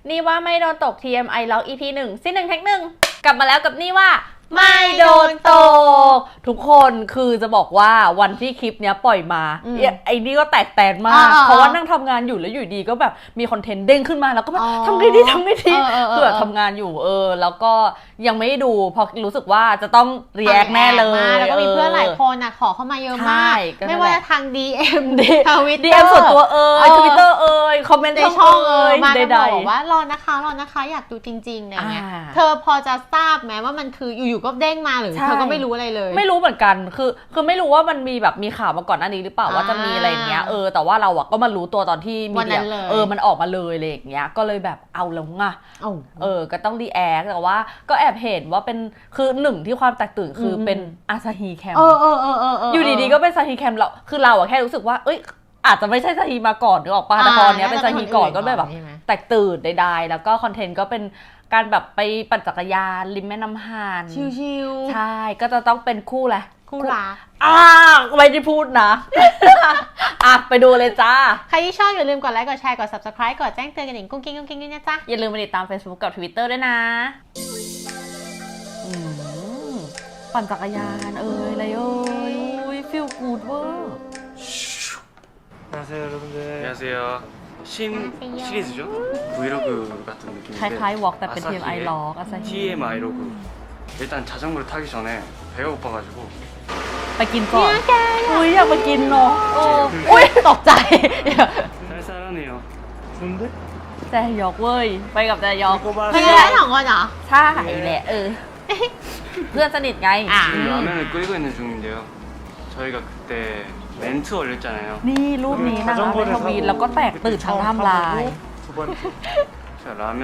นี่ว่าไม่โดนตก TMI ล็อก EP 1ซี1 Take 1กลับมาแล้วกับนี่ว่าไม่โดนตกทุกคนคือจะบอกว่าวันที่คลิปเนี้ยปล่อยมาไอ้นี่ก็แตกแตนมากเพราะว่านั่งทำงานอยู่แล้วอยู่ดีก็แบบมีคอนเทนต์เด้งขึ้นมาแล้วก็แบบทำไงดีคือแบบทำงานอยู่แล้วก็ยังไม่ได้ดูเพราะรู้สึกว่าจะต้องรีแอคแน่เลยแล้วก็มีเพื่อนหลายคนขอเข้ามาเยอะมากไม่ว่าทาง DM ทวิตเตอร์ DM ส่วนตัวTwitter คอมเมนต์ในช่องมาได้บอกว่ารอนะคะอยากดูจริงๆอะไรเงี้ยเธอพอจะทราบไหมว่ามันคืออยู่ๆก็เด้งมาหรือเธอก็ไม่รู้อะไรเลยไม่รู้เหมือนกันคือไม่รู้ว่ามันมีแบบมีข่าวมาก่อนหน้านี้หรือเปล่าว่าจะมีอะไรอย่างเงี้ยแต่ว่าเราก็มารู้ตัวตอนที่มีเดียมันออกมาเลยอะไรอย่างเงี้ยก็เลยแบบเอาแล้วไงก็ต้องรีแอคแต่ว่าก็แอบเห็นว่าเป็นคือหนึ่งที่ความแตกตื่นคือเป็นอาซาฮีแคมอยู่ดีๆก็เป็นซาฮีแคมเราคือเราแค่รู้สึกว่าอาจจะไม่ใช่ซาฮีมาก่อนหรือออกปะแต่ตอนนี้เป็นซาฮีก่อนก็เลยแบบแตกตื่นใดๆแล้วก็คอนเทนต์ก็เป็นการแบบไปปั่นจักรยานริมแม่น้ำฮานชิลๆใช่ก็จะต้องเป็นคู่แหละคู่รักไม่ได้พูดนะ ไปดูเลยจ้าใครที่ชอบอย่าลืมกดไลค์กดแชร์กด Subscribe กดแจ้งเตือนกันกุ้งกิ้งด้วยนะจ๊ะอย่าลืมไปติดตาม Facebook กับ Twitter ด้วยนะปั่นจักรยานอะไรฟีลกูดเวอร์ 안녕하세요 여러분들. 안녕하세요. 신 시리즈죠? 브이로그 같은 느낌인데 คล้ายๆ Walk แต่เป็น TMI ล็อกอาซาฮี TMI 로그. 일단 자전거를 타기 전에 배가 고파가지고 ไปกินก่อนอยากไปกินเนาะตกใจ 쌀쌀하네요. 좋은데? แจยอกเว้ยไปกับแจยอกเพื่อนสองคนเหรอใช่แหละเพื่อนสนิทไง 지금 라면을 끓이고 있는 중인데요. 저희가 그때 멘트 올렸잖아요. นี่รูปนี้นะคะเป็นทวีตแล้วก็แตกตื่นทางไทม์ไลน์ 두 번째. 자 라면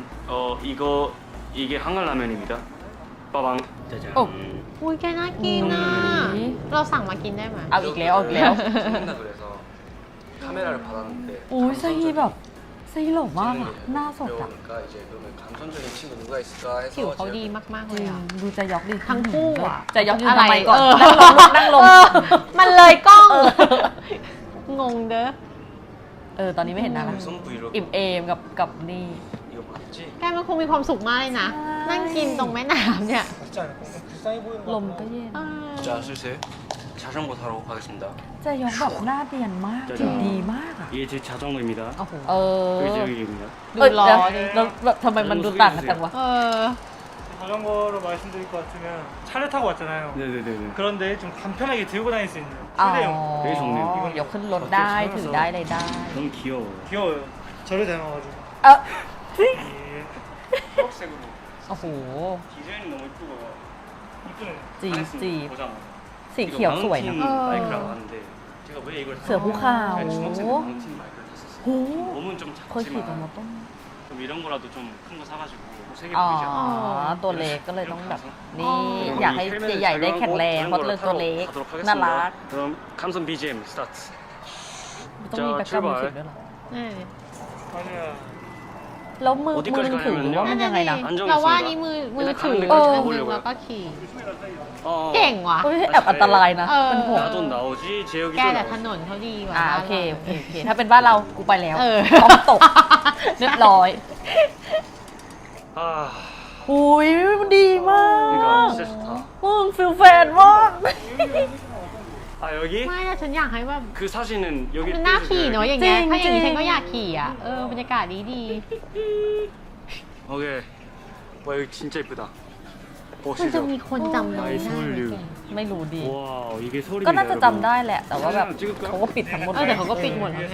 이게 한글 라면입니다. 빠방 짜잔. อุ้ยแกน่ากินอ่ะเราสั่งมากินได้ไหมเอาอีกแล้ว 죽는다 그래서 카메라를 받았는데 ซาฮีแบบซาฮีหล่อมากอะหน้าสดอะ 그러니까 이제 그러면 감성적인 친구 누가 있을까 ผิว 해서 เขาดีมากๆเลยอ่ะดูใจยอกดิทั้งคู่อ่ะใจยอกยืนทำไมก่อน นั่งลงมันเลยกล้องงงเด้อตอนนี้ไม่เห็นหน้าแล้ว 무슨 브이로그 อิ่มเอมกับนี่ 이거 맞지? แกมันคงมีความสุขมากเลยนะนั่งกินตรงแม่น้ำเนี่ย 맞지 않을까? 불쌍해 보이는 ล 거 มก็เย็น 자 슬슬 자전거 타러 가겠습니다. ใจยอกแบบหน้าเนียนมากผิวดีมากอะ 이게 제 자전거입니다. เ 여기 제 여기입니다. ดูร้อนแล้วแบบทำไมมันดูต่างกันจังวะ 자전거로 말씀드릴 것 같으면 차를 타고 왔잖아요. 네네네네. 그런데 좀 간편하게 들고 다닐 수 있는 อ๋อ 최대형. 되게 좋네요. ยกขึ้นรถได้ถือได้อะไรได้ 너무 귀여워요. 귀여워요. 저를 닮아가지고. 초록색으로 โอ้โห 디자인이 너무 이쁘고 이쁘네. จีบ 보장. สีเขียวสวยนะ 마이크라고 하는데 제가 왜 이걸 เสือภูเขา 중학생 때 마운틴 마이크를 탔었어요. โอ้ 몸은 좀 เคยขี่ตัว 작지만 มอต้น 좀 이런 거라도 좀 큰 거 사가지고 세게 อ๋อ 보이지 않나. ตัวเล็กก็เลยต้องแบบนี่อยากให้ใหญ่ๆได้แข็งแรงเพราะเลยตัวเล็ก 가도록 น่า 하겠습니다. รัก 그럼 감성 BGM 스타트. ต้องมีแบ็คกราวด์มิวสิกด้วยเหรอ 아니야. แล้วมือถือว่ามันยังไงนะเราว่านี่มือถือแล้วก็ขี่ เก่งว่ะแอบอันตรายนะเป็นห่วง 나도 나오지 재혁이도 แกแต่ถ 나오지. นนเขาดีกว่าโอเคถ้าเป็นบ้านเรากูไปแล้วต้องตกเรียบร้อย 아 หุยมันดีมาก 그러니까 진짜 좋다. มึงฟิลแฟนมาก 아 여기 ไม่แต่ฉันอยากให้แบบ 그 사진은 여기 มันน่าขี่เนาะอย่างเงี้ยจริงถ้าอย่างนี้จริฉังนก็อยากขี่อ่ะบรรยากาศดี 오케이. 와 여기 진짜 이쁘다. มันจะมีคนจำเรา 나의 ได้ 서울류. ไม่รู้ดี 와 이게 서울입니다. ก็น่าจะจำได้ 여러분. แหละ แต่ว่าแบบเขาก็ปิดทั้งหมดแต่เขาก็ปิดหมดแล้ว 위해서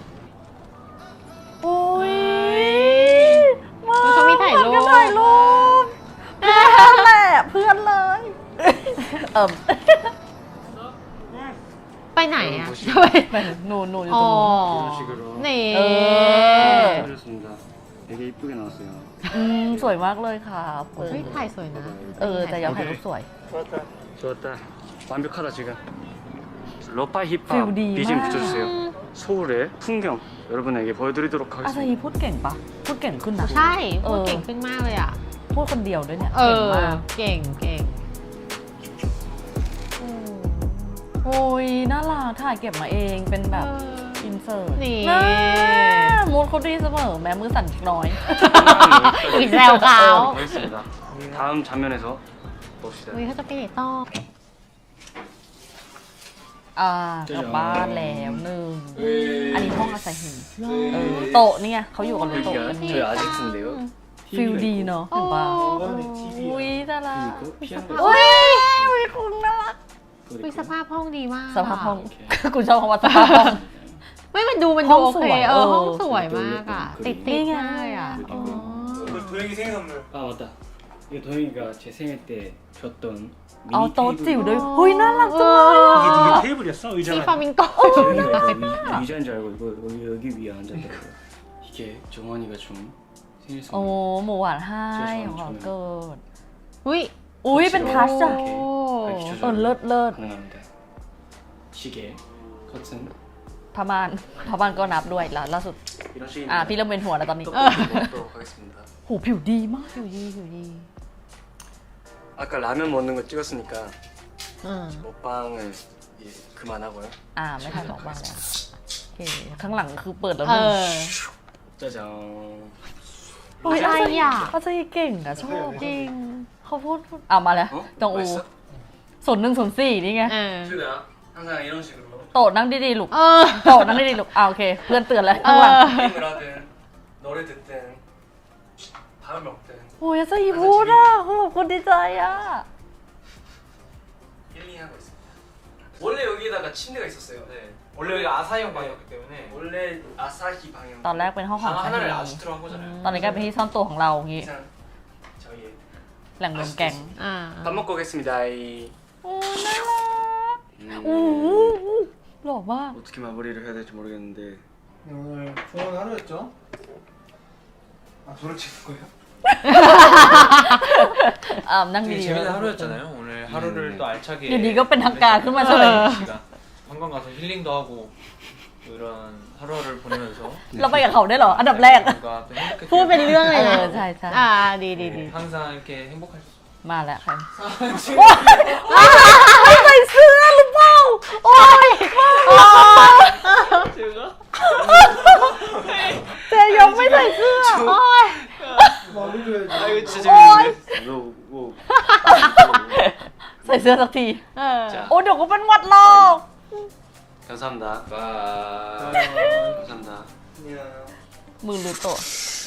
โอ้ยเขามีถ่ายรูปถ่ายรูปเพื่อนแหละเพื่อนเลยไปไหนอ่ะหนูอยู่อ๋ตอรงนู้น 이런 식으로 นี่ 해줬습니다. 되게 이쁘게 나왔어요. สวยมากเลยค่ะเฮ้ยถ่ายสวยนะจะยอมถ่ายรูปสวย 좋았다. 좋았다. 완벽하다 지금. 러파이 힙합 필디 BGM 막. 붙여주세요. 서울의 풍경 여러분에게 보여드리도록 อาซา 하겠습니다. ฮีพูดเก่งปะพูดเก่งขึ้นนะใช่พูดเก่งขึ้นมากเลยอ่ะพูดคนเดียวด้วยเนี่ย เก่งมากเก่งโอ้ยน่ารักถ่ายเก็บมาเองเป็นแบบอินนเสิร์ตนี่น่ามูดเขาดีเสมอแม้มือสั่นน้อยอีกแซวเขา 알겠습니다. 다음 장면에서 봅시다. เฮ้ยเขาจะไปไหนต่อกลับบ้านแล้วหนึ่งอันนี้ห้องอาศัยหินโต๊ะเนี่ยเขาอยู่กันบนโต๊ะกัน 저희 아지트인데요. ฟิลดีเนาะเห็นปะ 이거는 TV야. อุ้ยน่ารัก 그리고 피아노. อุ้ยอุ้ยคุณน่ารักวิสภาพห้องดีมากสภาพห้องกูชอบคำว่าสภาพห้องไม่มันดูห้องโอสเควยห้องสวยมากอ่ะ ติดนี่ไงมากอ่ะ 이거 도영이 생일 선물. 아 맞다. 이거 도영이가 제 생일 때 줬던 เอา 미니 โต๊ะจิ๋ว 테이블. ด้วยหุ้ยน่ารักจังเลย 이게 อะ 테이블이었어? มี 의자가 ฟามิงโก 도영이가 이거 의자인 줄 알고 이거 여기 위에 앉았더라고요. 이게 정원이가 준 생일 โอ้ 선물. หมูหวานให้ของขวัญเกิดอุ้ยอุ้ยเป็นทัชอะ 이렇게 밝기 어, 렛. 가능합니다. 시계, 커튼 พม่านก็นับด้วยล่าสุด 이런 식입니다. พี่เริ่มเป็นหัวแล้วตอนนี้ 떡볶이 먹도록 하겠습니다. หูผิวดีมากผิวดี 아까 라면 먹는 거 찍었으니까 อ่า 먹방을 예, 그만하고요. ไม่ทันบอกบ้างแล้วโอเคข้างหลังคือเปิดแล้วเอมึงอ 짜잔. โอ้ยอะไรอ่ะเขาจะเก่งอะชอบจริงเขาพูดเอามาแล้ว 어? จงอู 맛있어? 0104นี่ไงเออ 그래야 항상 이런 식으로 โตะนั่งดีๆลูกเออโตะนั่งดีๆลูกโอเค เพื่อนเตือนแล้วข้างหลัง 게임을 하든 노래 듣든 밥을 먹든 โอ้ยจะอีพูดอะเขาบอกคนดีใจอะ 힐링하고 있습니다. 원래 여기다가 침대가 있었어요. 네. 원래 여기 아사형 방이었기 때문에 원래 아사히 방향. ตอนแรกเป็นห้องของ 방 ชา 하나를 ลี 아지트로 한 거잖아요. ตอนนี้กลายเป็นที่ซ่อนตัวของเราอย่างงี้ 이상 저희의 แหล่งรวมแก๊งอ่า 밥 먹고 오겠습니다. โอ้น่ารักโอ้โหหล่อมาก 어떻게 마무리를 해야 될지 모르겠는데 네, 오늘 좋은 하루였죠? 아 저를 찍는 거예요? นั่ง 되게 ดีๆ 재밌는 하루였잖아요. 오늘 하루를 또 알차게 유니가 뺀 학가 그만 보내는 쳐라. 시간. 관광 가서 힐링도 하고 또 이런 하루를 보내면서 เราไปกับเขาได้เหรอ อันดับแรก 뭔가 또 행복했게 พูดเป็นเรื่องเลยนะใช่ใช่อ่าดี 항상 이렇게 행복할 수 มาแล้วค่ะไม่ใส่เสื้อหรือเปล่าโอ้ยเจยงไม่ใส่เสื้อโอ้ย 말해줘야지. 아 이거 진짜 재밌는데? 뭐 ใส่เสื้อสักทีเออโอ้เดี๋ยวก็เป็นหวัดหรอก 감사합니다. 와 감사합니다. 안녕. มือหรือตัว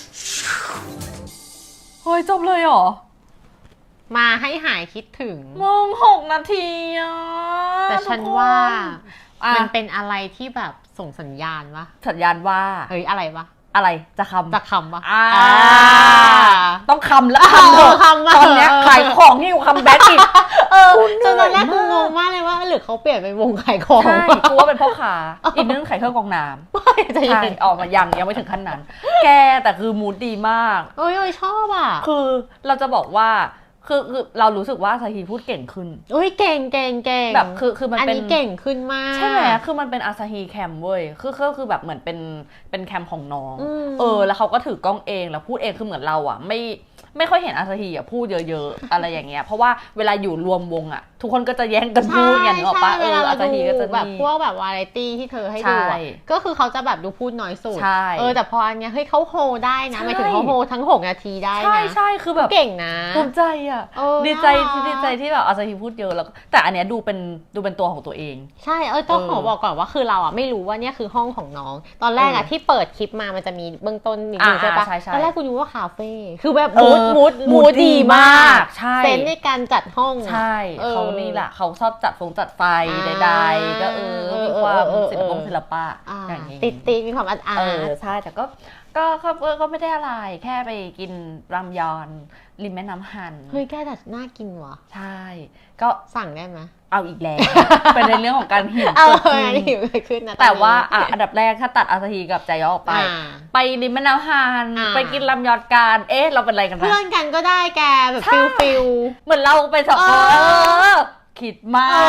เฮ้ยจบเลยเหรอมาให้หายคิดถึงมึง6 นาทีอ่ะแต่ฉันว่าอ่ะมันเป็นอะไรที่แบบส่งสัญญาณวะสัญญาณว่าเฮ้ยอะไรวะอะไรจะคำจะคำวะต้องคำแล้วคำเถอะคำมาตอนเนี้ยขายของนี่อยู่คำแบ็คอีกจนตอนแรกกูงงมากเลยว่าหรือเขาเปลี่ยนเป็นวงขายของใช่กูว่าเป็นพ่อค้าอีกนึงขายเครื่องกรองน้ำไม่จะใช่ยังออกมายังไม่ถึงขั้นนั้น แกแต่คือมูดดีมากเอ้ยชอบอ่ะคือเราจะบอกว่าคือเรารู้สึกว่าซาฮีพูดเก่งขึ้นเอ้ยเก่งแบบคือมันอันเป็นนี้เก่งขึ้นมากใช่ไหมคือมันเป็นอาซาฮีแคมเว้ยคือแบบเหมือนเป็นแคมของน้อง แล้วเขาก็ถือกล้องเองแล้วพูดเองคือเหมือนเราอ่ะไม่ค่อยเห็นอาซาฮีอ่ะพูดเยอะๆ อะไรอย่างเงี้ยเพราะว่าเวลาอยู่รวมวงอ่ะทุกคนก็จะแย่งกันพูดอย่างนี้ออกปะใช่อาซาฮีก็จะแบบมีพวกแบบวาไรตี้ที่เธอให้ดูใช่อะก็คือเขาจะแบบดูพูดน้อยสุดใช่แต่พออันเนี้ยเฮ้ยเขาโฮได้นะใช่หมายถึงเขาโฮทั้ง6 นาทีได้นะใช่คือแบบเก่งนะภูมิใจอ่ะ ดีใจน่ารักดีใจที่แบบอาซาฮีพูดเยอะแล้วแต่อันเนี้ยดูเป็นตัวของตัวเองใช่ต้องขอบอกก่อนว่าคือเราอ่ะไม่รู้ว่าเนี่ยคือห้องของน้อง ตอนแรกอ่ะที่เปิดคลิปมามันจะมีเบื้องต้นนิดนึงใช่ปะใช่ตอนแรกกูนึกว่าคาเฟ่คือแบบเออมูดดีมากใช่เซนส์ในการจัดห้องอะใช่เออเขานี่แหละเขาชอบจัดไฟใดๆก็มีความศิลปะอย่างนี้ติดมีความอาร์ตใช่แต่ก็ไม่ได้อะไรแค่ไปกินรามยอนริมแม่น้ำฮันเฮ้ยแกแต่น่ากินว่ะใช่ ก็สั่งได้ไหมเอาอีกแล้ว เป็นในเรื่องของการหิวเอาเกิดอันนี้ขึ้นหิวเกิดขึ้นนะแต่ว่าตอนนี้อันดับแรกถ้าตัดอาซาฮีกับใจยอออกไปอ่าไปริมแม่น้ำฮันอ่าไปกินรามยอนกันเราเป็นอะไรกันเพื่อนะนกันก็ได้แกแบบใช่ฟิลเหมือนเราไปสองคนเออคิดมาก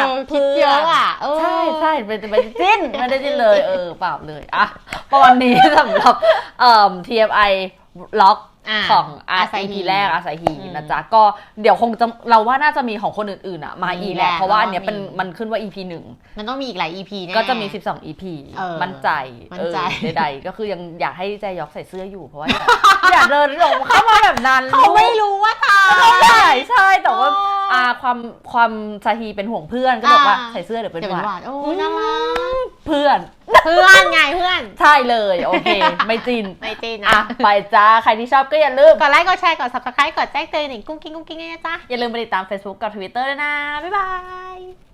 คิดเยอะอ่ะใช่ไปจิ้นไม่ได้จิ้นเลยเปล่าเลยอ่ะประมาณนี้สำหรับTMI ล็อกของ Asahi EP แรกอาซาฮีนะจ๊ะก็เดี๋ยวคงจะเราว่าน่าจะมีของคนอื่นๆอ่ะมาอีกแหละเพราะว่าอันเนี้ยเป็นมันขึ้นว่า EP 1 มันต้องมีอีกหลาย EP แน่ก็จะมี12 EP มั่นใจ ใดๆก็คือยังอยากให้แจยอกใส่เสื้ออยู่เพราะว่าอยากเดินหลงเข้ามาแบบนั้นเขาไม่รู้ว่าทำใช่แต่ว่าความซาฮีเป็นห่วงเพื่อนก็บอกว่าใส่เสื้อเดี๋ยวเป็นหวัดโอ้น่ารักเพื่อนไงเพื่อนใช่เลยโอเคไม่จินไม่จริงอ่ะนะไปจ้าใครที่ชอบก็อย่าลืมกดไลค์กดแชร์กด subscribe กดแจ้งเตือนหนิงกุ้งกิ้งนะจ๊ะอย่าลืมไปติดตาม Facebook กับ Twitter ด้วยนะบ๊ายบาย